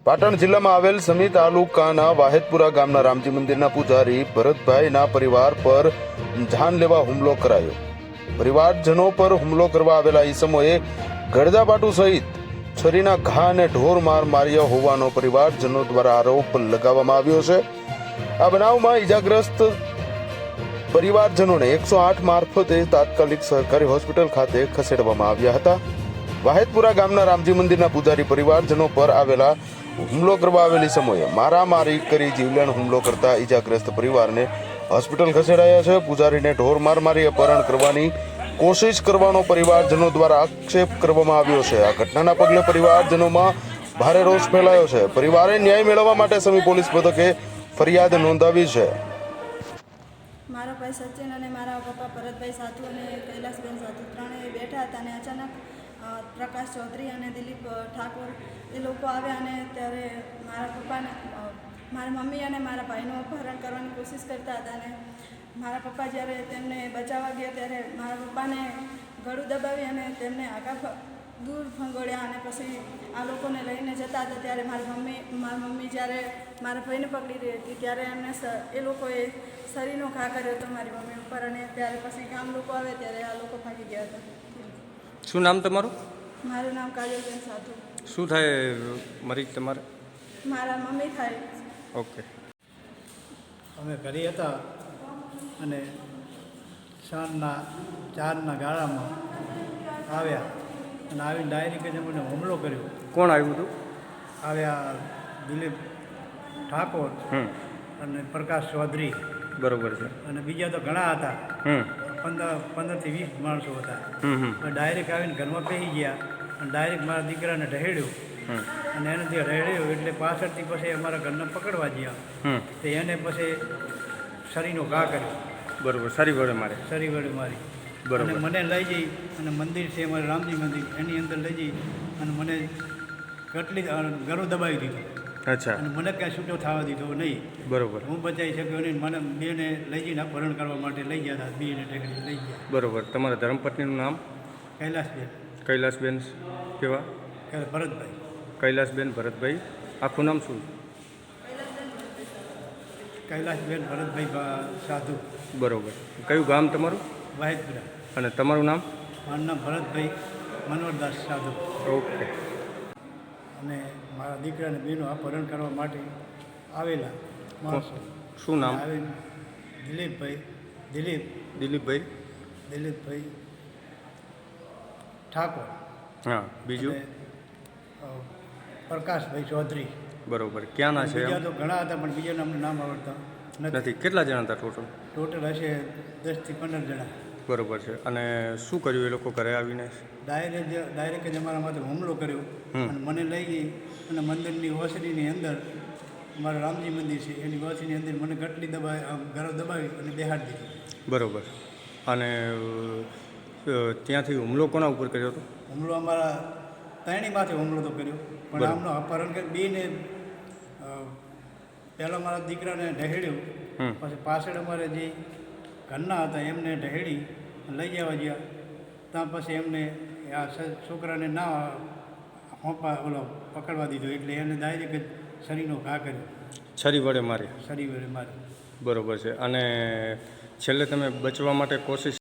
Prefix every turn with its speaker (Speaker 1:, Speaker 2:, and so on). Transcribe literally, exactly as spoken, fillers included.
Speaker 1: પાટણ જિલ્લામાં આવેલ સમી તાલુકાના વાહેદપુરા ગામના રામજી મંદિરના પૂજારી ભરતભાઈના પરિવાર પર જાનલેવા હુમલો કરાયો। પરિવારજનો પર હુમલો કરવા આવેલા ઈસમોએ ગળદાપાટુ સહિત છરીના ઘા અને ઢોર માર માર્યા હોવાનો પરિવારજનો દ્વારા આરોપ લગાવવામાં આવ્યો છે। આ બનાવમાં ઈજાગ્રસ્ત પરિવારજનોને એકસો આઠ મારફતે તાત્કાલિક સરકારી હોસ્પિટલ ખાતે ખસેડવામાં આવ્યા હતા। વાહેદપુરા ગામના રામજી મંદિરના પૂજારી પરિવારજનો પર આવેલા હુમલો કરવા આવેલી સમયે મારામારી કરી જીવલેણ હુમલો કરતા ઈજાગ્રસ્ત પરિવારને હોસ્પિટલ ખસેડાયા છે। પૂજારીને ઢોર માર મારી અપહરણ કરવાની કોશિશ કરવાનો પરિવારજનો દ્વારા આક્ષેપ કરવામાં આવ્યો છે। આ ઘટનાના પગલે પરિવારજનોમાં ભારે રોષ ફેલાયો છે। પરિવારે ન્યાય મેળવવા માટે સમી પોલીસ મથકે ફરિયાદ નોંધાવી છે।
Speaker 2: મારા ભાઈ સચિન અને મારા પપ્પા ભરતભાઈ સાધુ અને કૈલાસબેન સાધુ ત્રણેય બેઠા હતા અને અચાનક પ્રકાશ ચૌધરી અને દિલીપ ઠાકોર એ લોકો આવ્યા અને ત્યારે મારા પપ્પાને મારા મમ્મી અને મારા ભાઈનું અપહરણ કરવાની કોશિશ કરતા હતા અને મારા પપ્પા જ્યારે તેમને બચાવવા ગયા ત્યારે મારા પપ્પાને ગળું દબાવી અને તેમને આગા દૂર ફંગોળ્યા અને પછી આ લોકોને લઈને જતા હતા ત્યારે મારી મમ્મી મારી મમ્મી જ્યારે મારા ભાઈને પકડી રહી હતી ત્યારે એમને એ લોકોએ શરીરનો ઘા કર્યો હતો મારી મમ્મી ઉપર અને ત્યારે પછી ગામ લોકો આવે ત્યારે આ લોકો ભાગી ગયા હતા।
Speaker 3: શું નામ તમારું?
Speaker 2: મારું નામ કાજલબેન સાધુ।
Speaker 3: શું થાય મરી તમારે?
Speaker 2: મારા મમ્મી થાય।
Speaker 3: ઓકે।
Speaker 4: અમે ઘરે હતા અને સાંજના ચારના ગાળામાં આવ્યા અને આવીને ડાયરેક્ટ મને હુમલો કર્યો।
Speaker 3: કોણ આવ્યું હતું?
Speaker 4: આવ્યા દિલીપ ઠાકોર
Speaker 3: હમ
Speaker 4: અને પ્રકાશ ચૌધરી
Speaker 3: બરોબર છે
Speaker 4: અને બીજા તો ઘણા હતા,
Speaker 3: હમ
Speaker 4: પંદર પંદરથી વીસ માણસો હતા।
Speaker 3: હમ હમ
Speaker 4: તો ડાયરેક્ટ આવીને ઘરમાં બેસી ગયા અને ડાયરેક્ટ મારા દીકરાને ઢહેડ્યો
Speaker 3: હમ
Speaker 4: અને એને જે ઢહેડ્યો એટલે પાછળથી પછી અમારા ઘરને પકડવા ગયા
Speaker 3: હમ
Speaker 4: તો એને પછી શરીરનો ઘા કર્યો,
Speaker 3: બરોબર, સારી વડે મારે
Speaker 4: શરીર વડે મારી
Speaker 3: બરોબર।
Speaker 4: અને મને લઈ જઈ અને મંદિર છે અમારે રામજી મંદિર એની અંદર લઈ જઈ અને મને કેટલી ગળું દબાવી દીધું
Speaker 3: અચ્છા,
Speaker 4: અને મને કાંઈ છૂટો થવા દીધો નહીં।
Speaker 3: બરોબર
Speaker 4: હું બચાવી શક્યો નહીં। મને બેને લઈ જઈને અપહરણ કરવા માટે લઈ ગયા હતા, બેને ટેકડી લઈ ગયા।
Speaker 3: બરોબર। તમારા ધર્મપત્નીનું નામ?
Speaker 4: કૈલાસબેન
Speaker 3: કૈલાસબેન કેવા?
Speaker 4: કે ભરતભાઈ।
Speaker 3: કૈલાસબેન ભરતભાઈ, આખું નામ શું?
Speaker 4: કૈલાસબેન ભરતભાઈ ભા- સાધુ।
Speaker 3: બરોબર। કયું ગામ તમારું?
Speaker 4: વાહેદપુરા।
Speaker 3: અને તમારું નામ?
Speaker 4: મારું નામ ભરતભાઈ મનોહરદાસ સાધુ।
Speaker 3: ઓકે।
Speaker 4: અને મારા દીકરાને બેનો અપહરણ કરવા માટે આવેલા માણસો।
Speaker 3: શું નામ?
Speaker 4: આવીને દિલીપભાઈ દિલીપ
Speaker 3: દિલીપભાઈ
Speaker 4: દિલીપભાઈ ઠાકોર
Speaker 3: હા, બીજું?
Speaker 4: અને, અ, પ્રકાશભાઈ ચૌધરી।
Speaker 3: બરોબર। ક્યાંના છે?
Speaker 4: બીજા તો ઘણા હતા પણ બીજાના અમને નામ આવડતા નથી।
Speaker 3: નથી। કેટલા જણા હતા ટોટલ?
Speaker 4: ટોટલ હશે દસથી પંદર જણા।
Speaker 3: બરોબર છે। અને શું કર્યું એ લોકો ઘરે આવીને?
Speaker 4: ડાયરેક્ટ જ ડાયરેક્ટ જ અમારા માથે હુમલો કર્યો અને મને લઈ ગઈ અને મંદિરની ઓસરીની અંદર અમારું રામજી મંદિર છે એની ઓસરીની અંદર મને ગટલી દબાવી આમ ગળો દબાવી અને બેહાડી દીધી।
Speaker 3: બરોબર। અને અ, ત્યાંથી હુમલો કોના ઉપર કર્યો હતો?
Speaker 4: હુમલો અમારા ત્રણેય માથે હુમલો તો કર્યો પણ
Speaker 3: બરાબર।
Speaker 4: આમનો અપહરણ કરી બેને પહેલાં મારા દીકરાને ઢહેડ્યો,
Speaker 3: હમ
Speaker 4: પછી પાછળ અમારે જે ઘરના હતા એમને ઢહેડી લઈ જવા ગયા ત્યાં પછી એમને આ સ- છોકરાને ના હોંપા ઓલો પકડવા દીધો એટલે એને ડાયરેક્ટ જ શરીરનો ઘા કર્યો,
Speaker 3: છરી વડે મારી?
Speaker 4: શરીર વડે મારી।
Speaker 3: બરોબર છે। અને છેલ્લે તમે બચવા માટે કોશિશ